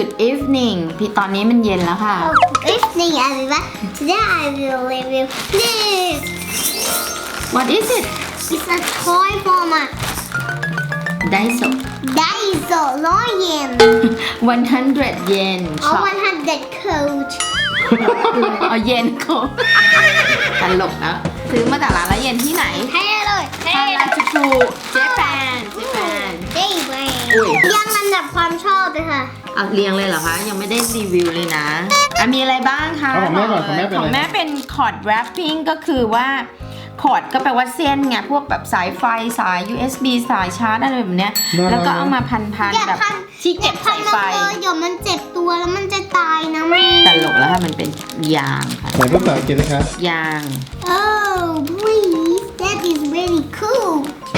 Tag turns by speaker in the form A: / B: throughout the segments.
A: Good evening พี่ตอนนี้มันเย็นแล้วค่ะ
B: Evening, everyone. Today I will review this.
A: What is it
B: It's a toy from a
A: Daiso
B: Daiso 100 yen
A: 100 yen
B: or
A: shop
B: 100 coach.
A: เอาเยนโคตลกนะซื้อมาจากร้านละเยนที่ไหน
B: Hello.
A: ฮาราจูชูเจแปน
B: Dayway.
A: อุ้ย
B: ยังลำดับความชอบเลยค่ะ
A: เอาเรียงเลยเหรอคะ ยังไม่ได้รีวิวเลยนะมีอะไรบ้างคะ
C: เอาของแม่ก่อนของแม่เป็นอะไร
A: ของแม่เป็นคอร์ดแรปปิ้งก็คือว่าคอร์ดก็แปลว่าเส้นไงพวกแบบสายไฟสาย USB สายชาร์จอะไรแบบเนี้ยแล้วก็เอามาพัน
B: อย่า
A: ๆแบบ
B: พัน
A: ที่เก็บ
B: พั
A: สาน ยไฟ
B: มันเลยเดี๋ยวมันเจ็บตัวแล้วมันจะตายนะแม่
A: ตลกแล้วค่ะมันเป็นยางค่ะ
C: ไหนภาษาอังกฤษนะคะ
A: ยาง
B: Oh please that is very cool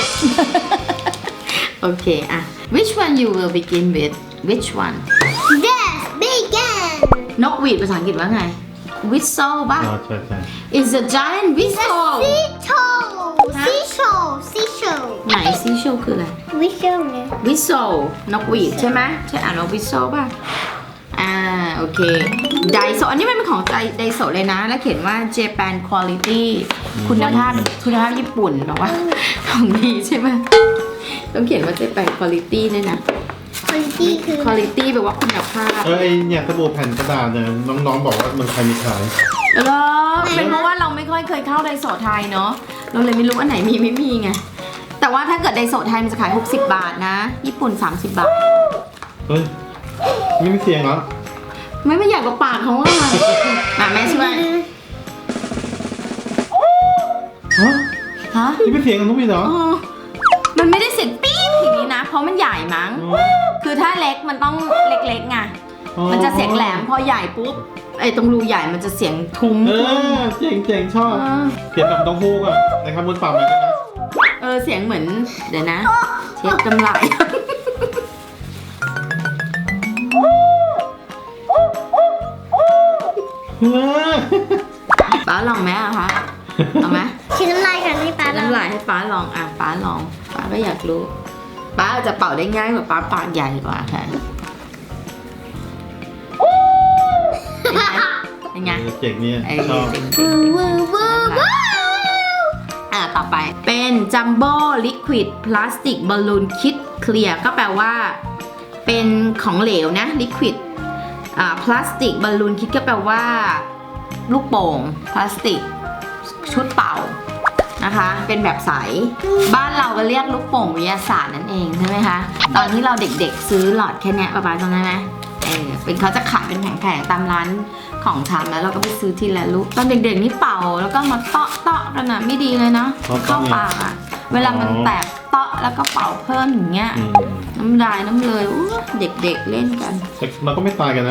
A: โอเคอะ which one you will begin with which one
B: Yes begin
A: นกหวีดภาษาอังกฤษว่าไง whistle ป่ะ
C: อ๋อใช่ใช่
A: is a giant whistle
B: Seashell
A: ไหน seashell คืออะไร
B: Whistle เนี่ย
A: whistle นกหวีดใช่ไหมใช่อ่านว่า whistle ป่ะโอเค Daiso อันนี้มันเป็นของ Daiso เลยนะ แล้วเขียนว่า Japan quality คุณภาพญี่ปุ่นบอกว่าของดีใช่ไหมต้องเขียนว่า Japan quality ด้วยนะ
B: Quality คือ
A: quality แปลว่าคุณภาพ
C: ไอเนี่ยสบู่แผ่นกระดาษเนี่ยน้องๆบอกว่าเมืองไทยมีขาย
A: แล้วเป็นเพราะว่าเราไม่ค่อยเคยเข้าไดโซไทยเนาะเราเลยไม่รู้อันไหนมีไม่มีไงแต่ว่าถ้าเกิดไดโซไทยมันจะขาย60 บาทนะญี่ปุ่น30 บาท
C: เฮ้ยไม่มีเสียงเหรอ
A: ไม่อยากกับปากเขาอะมาแม่ช่วย
C: ฮะ
A: ฮะ
C: นี่เป็นเสียงของนุ๊กมีเหรอ
A: อ๋อมันไม่ได้เสียงปี๊ดอย่างนี้นะเพราะมันใหญ่มั้งคือถ้าเล็กมันต้องเล็กๆไงมันจะเสียงแหลมพอใหญ่ปุ๊บไอ้ตรงรูใหญ่มันจะเสียงทุ้ม
C: เจ๋งชอบเสียงแบบต้องฮูกอะนะครับบนปากมันนะ
A: เสียงเหมือนเดี๋ยวนะเช็ดน้ำลาย ป้าลองไหมอะคะเอาไหม
B: ชิ้นน้ำลายกันให้ป้า
A: น้ำลายให้ป้าลองป้าลองป้าก็อยากรู้ป้าจะเป่าได้ง่ายกว่าป้าปากใหญ่กว่าค่ะเป็นไง
C: เจ๋งเนี่ยชอบ
A: จริง
B: วูวูวู
A: ต่อไปเป็นจัมโบ้ลิควิดพลาสติกบอลลูนคิดเคลียร์ก็แปลว่าเป็นของเหลวนะลิควิดพลาสติกบอลลูนคิดก็แปลว่าลูกโป่งพลาสติกชุดเป่านะคะเป็นแบบใสบ้านเราก็เรียกลูกโป่งวิทยาศาสตร์นั่นเองใช่ไหมคะตอนที่เราเด็กๆซื้อหลอดแค่เนี้ยประมาณตรงนั้นไหมเป็นเขาจะขายเป็นแผงๆตามร้านของชำแล้วเราก็ไปซื้อทีละลูกตอนเด็กๆนี่เป่าแล้วก็มาเตาะกันนะไม่ดีเลยนะเข้าปากอะเวลามันแตกเตาะแล้วก็เป่าเพิ่มอย่างเงี้ยน้ำลายน้ำเลยเด็กๆเล่นกัน
C: เราก็ไม่ตายกันนะ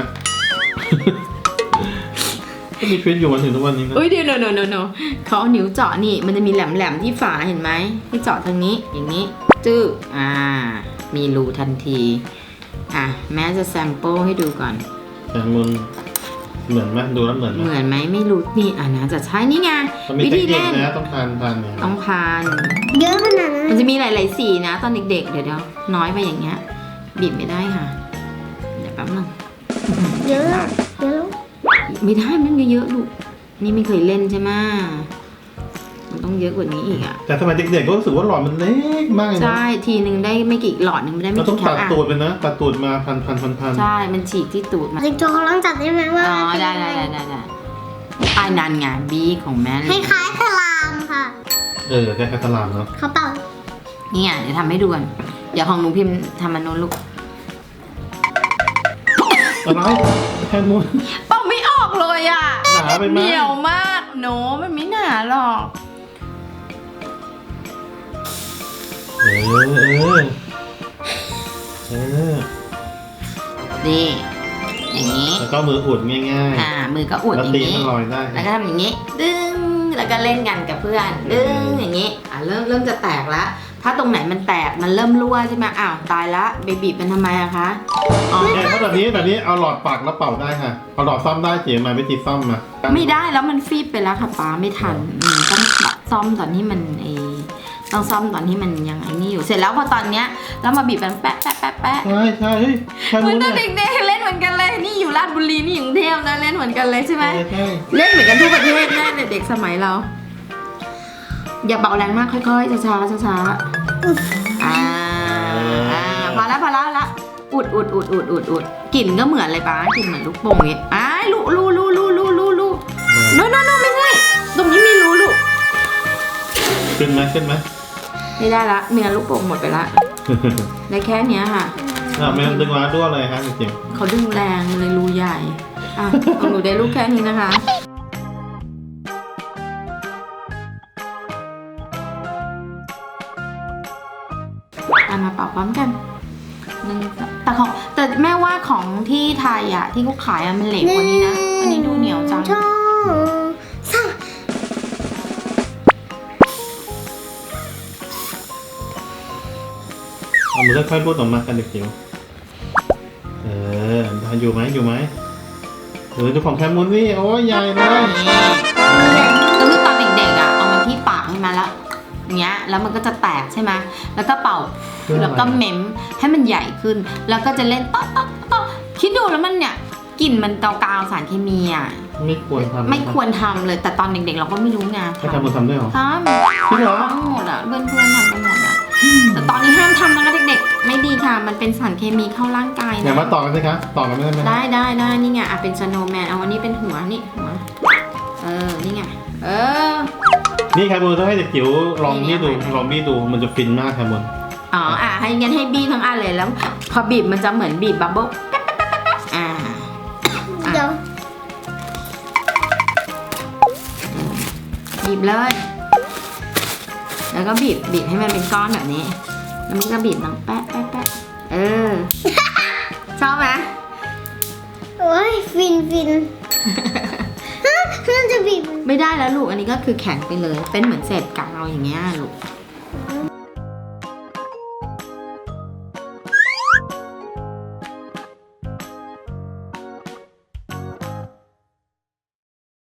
C: ก็มีชีวิตอยู่มาถึงทุกวันนี้นะ
A: เดี๋ยวโนเขาเอานิ้วเจาะนี่มันจะมีแหลมๆที่ฝาเห็นไหมให้เจาะทางนี้อย่างนี้จื้อมีรูทันทีแม้จะแซมเปิลให้ดูก่อน
C: แต่มันเหมือนไหมดูแล้วเหมือนไหม
A: เหมือนไหมไม่รู้นี่นะจะใช่นี่ไง
C: มันมี
A: วิ
C: เทค
A: ธี
C: นิค
A: เล่น
C: นะต้องทานเนี่ย
A: ต้องพาน
B: เยอะขนาดนั้น
A: มันจะมีหลายๆสีนะตอนเด็กๆเดี๋ยวน้อยไปอย่างเงี้ยบีบไม่ได้ค่ะเดี๋ยวแป๊บนึง
B: เยอะเยอะ
A: ไม่ได้มันเยอะๆลูกนี่ไม่เคยเล่นใช่ไหมมันต้องเยอะกว่านี้อีกอะ
C: แต่สมัยเด็กๆก็รู้สึกว่าหลอดมันเล็กมากเลยนะ
A: ใช่ทีนึงได้ไม่กี่หลอดนึงไม่ได้
C: เรา
A: ไม่
C: ต้อง
A: กี่แค
C: ตัด
A: ป
C: ตูดไปนะตัดตูดมาพัน
A: ใช่มันฉีกที่ตูดมา
B: เด็กโจเขาลองจับได้ไหมว่า
A: ได้นันไงบีของแม่
B: คล้ายๆสลามค่ะ
C: แค่ตลาดเนาะ
B: เขาเป่า
A: นี่เดี๋ยวทำให้ดูกันเดี๋ยวของหนูพิมพ์ทำมันโน้นลูก
C: อะไรแค่นู้น
A: เป่าไม่ออกเลยอะ
C: หนาไปไหม
A: เหนียวมากโนมันไม่หนาหรอก นี่อย่างนี้
C: แล้วก็มืออุดง่าย
A: มือก็อุด
C: แล้ว
A: อย่าง
C: ตี
A: นี้
C: มันลอยได้
A: แล้วก็ทำอย่างนี้ ดึง แล้วก็เล่นกันกับเพื่อน ดึง อย่างนี้ เริ่มจะแตกแล้ว ถ้าตรงไหนมันแตก มันเริ่มรั่วใช่ไหมตายละเบบีเป็นทำไมอะคะ
C: เนี่ยถ้าแบบนี้เอาหลอดปักแล้วเป่าได้ค่ะเอาหลอดซ่อมได้เสียมาวิธีซ่อมมา
A: ไม่ได้แล้วมันฟีบไปแล้วค่ะป้าไม่ทันต้องซ่อมตอนที่มันต้องซ่อมตอนที่มันยังไอ้นี่อยู่ เสร็จแล้วพอตอนเนี้ยแล้วมาบีบมันแปะ
C: ใช่เฮ้ยแค่
A: เหมือน
C: นู้น
A: ตอน
C: เนี่ย
A: เด็กๆเล่นเหมือนกันเลยนี่อยู่ราชบุรีนี่อยู่กรุงเทพนะเล่นเหมือนกันเลยใช่ไหม
C: ใช่
A: เล่นเหมือนกันทั่วประเทศแน่เลยเด็กสมัยเรา อย่าเบาแรงมากค่อยๆช้าๆช้าๆพอละอุดกลิ่นก็เหมือนเลยป้ากลิ่นเหมือนลูกโป่งเนี่ยลูโนไม่ใช่ตรงนี้มีรูลูก
C: ขึ้นไหม
A: ไม่ได้ละเนื้อลูกโป่งหมดไปละได้แค่เนี้ยค่ะ
C: แม่ดึงมาด้วยอะไรครับจริง
A: เขาดึงแรงเลยรูใหญ่ของหนูได้ลูกแค่นี้นะคะมาเป่าพร้อมกันแต่แม่ว่าของที่ไทยอ่ะที่เขาขายมันเหล็กกว่านี้นะอันนี้ดูเหนียวจัง
C: เอามือค่อยๆรูดออกมากันเด็กจิ๋วอยู่ไหมดูของแคมุนนี่โอ้ยใหญ่เลย
A: ก็คือตอนเด็กๆอ่ะเอามันที่ปากใช่ไหมแล้วอย่างเงี้ยแล้วมันก็จะแตกใช่ไหมแล้วก็เป่าแล้วก็เม้มให้มันใหญ่ขึ้น แล้วก็จะเล่นต๊อกคิดดูแล้วมันเนี่ยกลิ่นมันกาวๆสารเคมีอ่ะ
C: ไม่ควรทำ
A: ไม่ควรทำเลยแต่ตอนเด็กๆเราก็ไม่รู้ไง
C: ให้แคมุนทำด้วยเหรอ
A: ทำ
C: จริงเหรอ
A: ทำหมดอ่ะเพื่อนๆทำกันหมดอ่ะแต่ตอนนี้ห้ามทำนะคะเด็กๆไม่ดีค่ะมันเป็นสารเคมีเข้าร่างกาย
C: อย่า
A: นะ
C: มาต่อกันสิคะต่อกันไม่ได้ไหม
A: ได้นี่ไงเป็นสโนว์แมนเอาอันนี้เป็นหัวนี่หัวนี่ไง
C: นี่แคมุนต้องให้เด็กจิ๋วลองบี้ดูมันจะฟินมากแคมุน
A: ให้งั้นให้บีทั้งอันเลยแล้วพอบีบมันจะเหมือนบีบบับเบิ้ล
B: เดี๋ยว
A: บีบเลยแล้วก็บีบให้มันเป็นก้อนแบบนี้แล้วมันก็บีบดังแป๊ะชอบไหม
B: โอ้ยฟินน่าจะบีบ
A: ไม่ได้แล้วลูกอันนี้ก็คือแข็งไปเลยเป็นเหมือนเศษกาวอย่างเงี้ยลูก